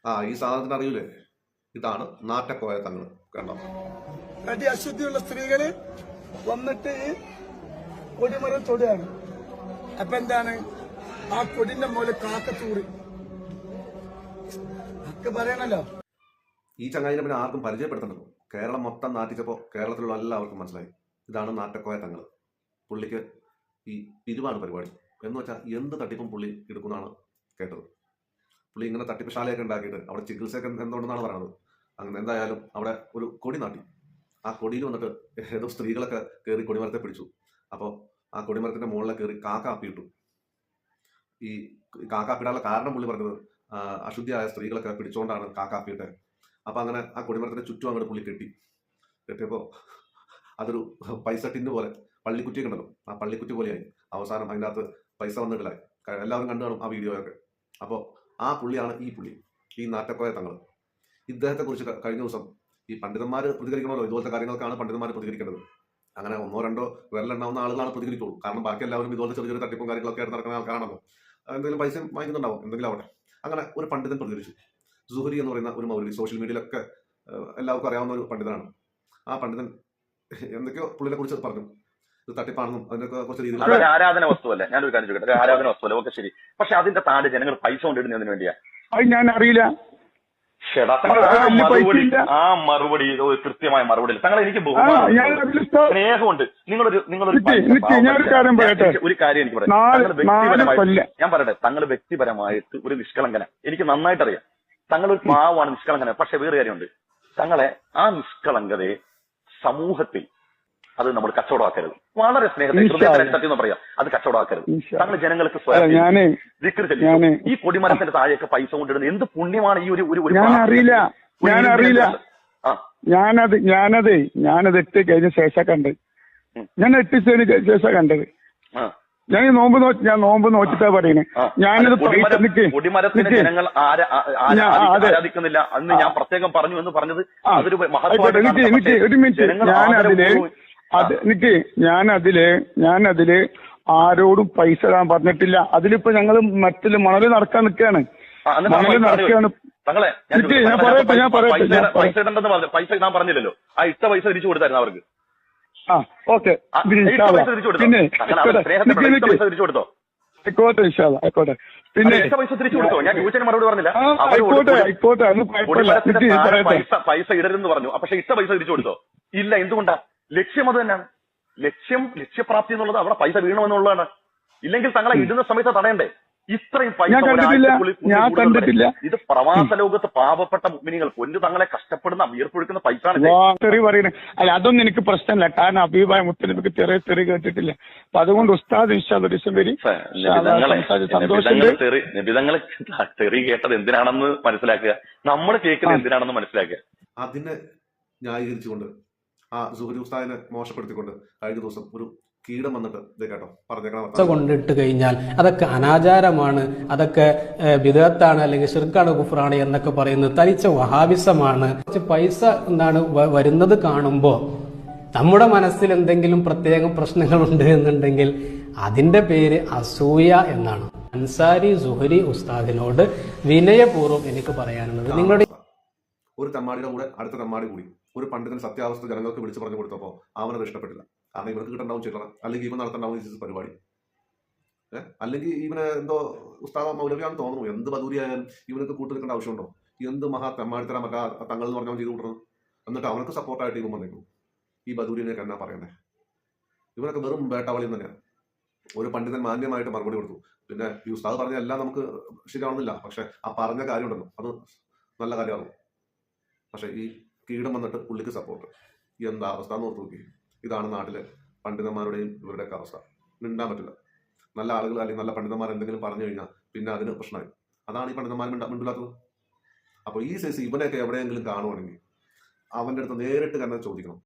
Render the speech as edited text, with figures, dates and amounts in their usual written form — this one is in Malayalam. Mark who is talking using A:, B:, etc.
A: ഈ സാധനത്തിന് അറിയില്ലേ, ഇതാണ് നാറ്റക്കോയ തങ്ങൾ. കണ്ടോ,
B: അടി അശുദ്ധിയുള്ള സ്ത്രീകള് വന്നിട്ട് കൊടിമരം തൊടുകയാണ്. അപ്പൊ എന്താണ്, ആ കൊടിന്റെ മുകളിൽ കാക്കത്തൂറ് ഒക്കെ പറയണല്ലോ.
A: ഈ ചങ്ങായിനെ പിന്നെ ആർക്കും പരിചയപ്പെടുത്തണ്ടല്ലോ. കേരളം മൊത്തം നാട്ടിച്ചപ്പോൾ കേരളത്തിലുള്ള എല്ലാവർക്കും മനസ്സിലായി ഇതാണ് നാറ്റക്കോയ തങ്ങൾ. പുള്ളിക്ക് ഈ പിരിവാണ് പരിപാടി. എന്ന് വെച്ചാൽ എന്ത് തട്ടിപ്പും പുള്ളി എടുക്കുന്നതാണ് കേട്ടത്. പുള്ളി ഇങ്ങനെ തട്ടിപ്പശാലയൊക്കെ ഉണ്ടാക്കിയിട്ട് അവിടെ ചികിത്സയൊക്കെ എന്തുകൊണ്ടെന്നാണ് പറയുന്നത്. അങ്ങനെ എന്തായാലും അവിടെ ഒരു കൊടി നാട്ടി. ആ കൊടിയിൽ വന്നിട്ട് ഏതോ സ്ത്രീകളൊക്കെ കയറി കൊടിമരത്തെ പിടിച്ചു. അപ്പോൾ ആ കൊടിമരത്തിന്റെ മുകളിൽ കയറി കാക്കാപ്പിയിട്ടു. ഈ കാക്കാപ്പിടാനുള്ള കാരണം പുള്ളി പറഞ്ഞത് അശുദ്ധിയായ സ്ത്രീകളൊക്കെ പിടിച്ചുകൊണ്ടാണ് കാക്കാപ്പിയിട്ട്. അപ്പൊ അങ്ങനെ ആ കൊടിമരത്തിന്റെ ചുറ്റും അങ്ങോട്ട് പുള്ളി കെട്ടിയപ്പോൾ അതൊരു പൈസ ടിന്ന് പോലെ, പള്ളിക്കുറ്റിയൊക്കെ ഉണ്ടല്ലോ, ആ പള്ളിക്കുറ്റി പോലെയായി. അവസാനം അതിൻ്റെ അകത്ത് പൈസ വന്നിട്ടില്ലായി. എല്ലാവരും കണ്ടു കാണും ആ വീഡിയോയൊക്കെ. അപ്പോൾ ആ പുള്ളിയാണ് ഈ നാറ്റക്കോയ തങ്ങൾ. ഇദ്ദേഹത്തെ കുറിച്ച് കഴിഞ്ഞ ദിവസം ഈ പണ്ഡിതന്മാർ പ്രതികരിക്കണമല്ലോ. ഇതുപോലത്തെ കാര്യങ്ങൾക്കാണ് പണ്ഡിതന്മാർ പ്രതികരിക്കേണ്ടത്. അങ്ങനെ ഒന്നോ രണ്ടോ വിരലുണ്ടാവുന്ന ആളുകളാണ് പ്രതികരിക്കുള്ളൂ. കാരണം ബാക്കി എല്ലാവരും ഇതുപോലത്തെ ചെറിയ ചെറിയ തട്ടിപ്പും കാര്യങ്ങളൊക്കെ ആയിട്ട് നടക്കുന്ന ആൾക്കാരാണല്ലോ. എന്തെങ്കിലും പൈസ വാങ്ങിക്കുന്നുണ്ടാവും, എന്തെങ്കിലും ആവട്ടെ. അങ്ങനെ ഒരു പണ്ഡിതൻ പ്രതികരിച്ചു. സുഹരി എന്ന് പറയുന്ന ഒരു മൗലവി, സോഷ്യൽ മീഡിയയിലൊക്കെ എല്ലാവർക്കും അറിയാവുന്ന ഒരു പണ്ഡിതനാണ്. ആ പണ്ഡിതൻ എന്തൊക്കെയോ പുള്ളിനെ കുറിച്ച് പറഞ്ഞു. ഇത് തട്ടിപ്പാണെന്നും അതിനൊക്കെ കുറച്ച് രീതിയിൽ
C: ആരാധന വസ്തുവല്ലേ. ഞാനൊരു കാര്യം ചോദിക്കട്ടെ, ആരാധന വസ്തുവല്ലേ, ഓക്കെ ശരി. പക്ഷെ അതിന്റെ താഴെ ജനങ്ങൾ പൈസ കൊണ്ടിടുന്നതിന് വേണ്ടിയാ.
B: അത് ഞാൻ അറിയില്ല.
C: ആ മറുപടി കൃത്യമായ മറുപടി. തങ്ങൾ എനിക്ക് സ്നേഹമുണ്ട്. ഒരു കാര്യം എനിക്ക് പറയാം. ഞാൻ പറയട്ടെ, തങ്ങൾ വ്യക്തിപരമായിട്ട് ഒരു നിഷ്കളങ്കന എനിക്ക് നന്നായിട്ട് അറിയാം. തങ്ങൾ ഒരു പാവമാണ്, നിഷ്കളങ്കന. പക്ഷെ വേറെ കാര്യമുണ്ട്, തങ്ങളെ ആ നിഷ്കളങ്കതയെ സമൂഹത്തിൽ അത് നമ്മൾ കച്ചവടമാക്കരുത്. വളരെ സ്നേഹത്തെ പറയാം, അത് കച്ചവടമാക്കരുത്. തങ്ങൾ ജനങ്ങൾക്ക് ഈ കൊടിമരത്തിന്റെ താഴെയൊക്കെ പൈസ കൊണ്ടിടുന്നത് എന്ത് പുണ്യമാണ്. ഈ ഒരു
B: ഞാനത് ഇട്ട് കഴിഞ്ഞ ശേഷം കണ്ടത്. ഞാൻ എത്തിച്ചതിന് ശേഷം കണ്ടത്. ഞാൻ നോമ്പ് നോക്കിട്ടാ പറയുന്നത്. ഞാനത്
C: കൊടിമരത്തിന് ജനങ്ങൾ ആരാധിക്കുന്നില്ല അന്ന് ഞാൻ പ്രത്യേകം പറഞ്ഞു എന്ന് പറഞ്ഞത് അതൊരു
B: ഞാനതില് ആരോടും പൈസ ഇടാൻ പറഞ്ഞിട്ടില്ല. അതിലിപ്പോ ഞങ്ങള് മറ്റുള്ള മണല് നടക്കാൻ നിൽക്കുകയാണ്.
C: പൈസ ഞാൻ പറഞ്ഞില്ലല്ലോ. ആ ഇട്ട പൈസ തിരിച്ചു കൊടുത്തായിരുന്നു അവർക്ക്.
B: ഓക്കെ,
C: പിന്നെ തിരിച്ചു കൊടുത്തോ?
B: ആയിക്കോട്ടെ. പിന്നെ
C: പൈസ തിരിച്ചു കൊടുത്തോ? ഞാൻ ചോദിച്ചതിന് മറുപടി പറഞ്ഞില്ല. പൈസ ഇടരുതെന്ന് പറഞ്ഞു, പക്ഷെ ഇട്ട പൈസ തിരിച്ചു കൊടുത്തോ? ഇല്ല. എന്തുകൊണ്ടാ? ലക്ഷ്യം അത് തന്നെയാണ്. ലക്ഷ്യപ്രാപ്തി എന്നുള്ളത് അവിടെ പൈസ വീണമെന്നുള്ളതാണ്. ഇല്ലെങ്കിൽ തങ്ങളെ ഇടുന്ന സമയത്ത് തടയണ്ടേ? ഇത്രയും പൈസ ഇത് പ്രവാസ ലോകത്ത് പാവപ്പെട്ട മുഅ്മിനീങ്ങൾ പൊന്നു തങ്ങളെ കഷ്ടപ്പെടുന്ന വിയർപ്പൊഴുക്കുന്ന പൈസ.
B: അല്ല, അതൊന്നും എനിക്ക് പ്രശ്നമില്ല. കാരണം അബീബായ മുത്തനബിക്ക് തെറി കേട്ടിട്ടില്ല. അപ്പൊ അതുകൊണ്ട് ഉസ്താദ്
C: നബിതങ്ങൾ തെറി കേട്ടത് എന്തിനാണെന്ന് മനസ്സിലാക്കുക, നമ്മൾ കേൾക്കുന്നത് എന്തിനാണെന്ന് മനസ്സിലാക്കുക.
A: അതിനെ ന്യായീകരിച്ചുകൊണ്ട് ആ സുഹരി ഉസ്താദിനെ മോശപ്പെടുത്തിക്കൊണ്ട് കഴിഞ്ഞ ദിവസം ഒരു കീടം വന്നിട്ട് കേട്ടോ പറഞ്ഞേക്കണം
D: കൊണ്ടിട്ട് കഴിഞ്ഞാൽ അതൊക്കെ അനാചാരമാണ്, അതൊക്കെ ബിദഅത്താണ്, അല്ലെങ്കിൽ ശിർക്കാണ്, കുഫ്റാണ് എന്നൊക്കെ പറയുന്നത് തനിച്ച വഹാബിസമാണ്. പൈസ വരുന്നത് കാണുമ്പോൾ നമ്മുടെ മനസ്സിൽ എന്തെങ്കിലും പ്രത്യേക പ്രശ്നങ്ങളുണ്ട് എന്നുണ്ടെങ്കിൽ അതിന്റെ പേര് അസൂയ എന്നാണ്. അൻസാരി സുഹരി ഉസ്താദിനോട് വിനയപൂർവ്വം എനിക്ക് പറയാനുള്ളത്, നിങ്ങളുടെ
A: ഒരു തമ്മാടിയുടെ കൂടെ അടുത്ത തമ്മാടി കൂടി ഒരു പണ്ഡിതൻ സത്യാവസ്ഥ ജനങ്ങൾക്ക് വിളിച്ചു പറഞ്ഞു കൊടുത്തപ്പോൾ അവനത് ഇഷ്ടപ്പെട്ടില്ല. കാരണം ഇവർക്ക് കിട്ടണ്ടാവും ചില്ലറ, അല്ലെങ്കിൽ ഇവൻ നടത്തണ്ടാവും പരിപാടി. അല്ലെങ്കിൽ ഇവന് എന്തോ ഉസ്താദ് മൗലവിയാണെന്ന് തോന്നുന്നു. എന്ത് ബദൂരിയായാലും ഇവനക്ക് കൂട്ടു നിൽക്കേണ്ട ആവശ്യമുണ്ടോ? എന്ത് മഹാ തെമ്മാടിത്തരം മറ്റാ തങ്ങൾ എന്ന് പറഞ്ഞാൽ ചെയ്തു കൂട്ടണം. എന്നിട്ട് അവനക്ക് സപ്പോർട്ടായിട്ട് ഇവൻ വന്നേക്കും. ഈ ബദൂരിനെയൊക്കെ എന്നാ പറയണ്ടേ? ഇവനൊക്കെ വെറും വേട്ടാവളിയും തന്നെയാണ്. ഒരു പണ്ഡിതൻ മാന്യമായിട്ട് മറുപടി കൊടുത്തു. പിന്നെ ഈ ഉസ്താദ് പറഞ്ഞ എല്ലാം നമുക്ക് ശരിയാവുന്നില്ല, പക്ഷെ ആ പറഞ്ഞ കാര്യമുണ്ടല്ലോ അത് നല്ല കാര്യമാകും. പക്ഷെ ഈ കീടം വന്നിട്ട് പുള്ളിക്ക് സപ്പോർട്ട്. എന്താ അവസ്ഥ എന്ന് ഓർത്ത് നോക്കി. ഇതാണ് നാട്ടിലെ പണ്ഡിതന്മാരുടെയും ഇവരുടെയൊക്കെ അവസ്ഥ. മിണ്ടാൻ പറ്റില്ല. നല്ല ആളുകൾ അല്ലെങ്കിൽ നല്ല പണ്ഡിതന്മാർ എന്തെങ്കിലും പറഞ്ഞു കഴിഞ്ഞാൽ പിന്നെ അതിന് പ്രശ്നമായി. അതാണ് ഈ പണ്ഡിതന്മാർ മിണ്ടില്ലാത്തത്. അപ്പോൾ ഈ സൈസ് ഇവനെയൊക്കെ എവിടെയെങ്കിലും കാണുവാണെങ്കിൽ അവൻ്റെ അടുത്ത് നേരിട്ട് തന്നെ ചോദിക്കണം.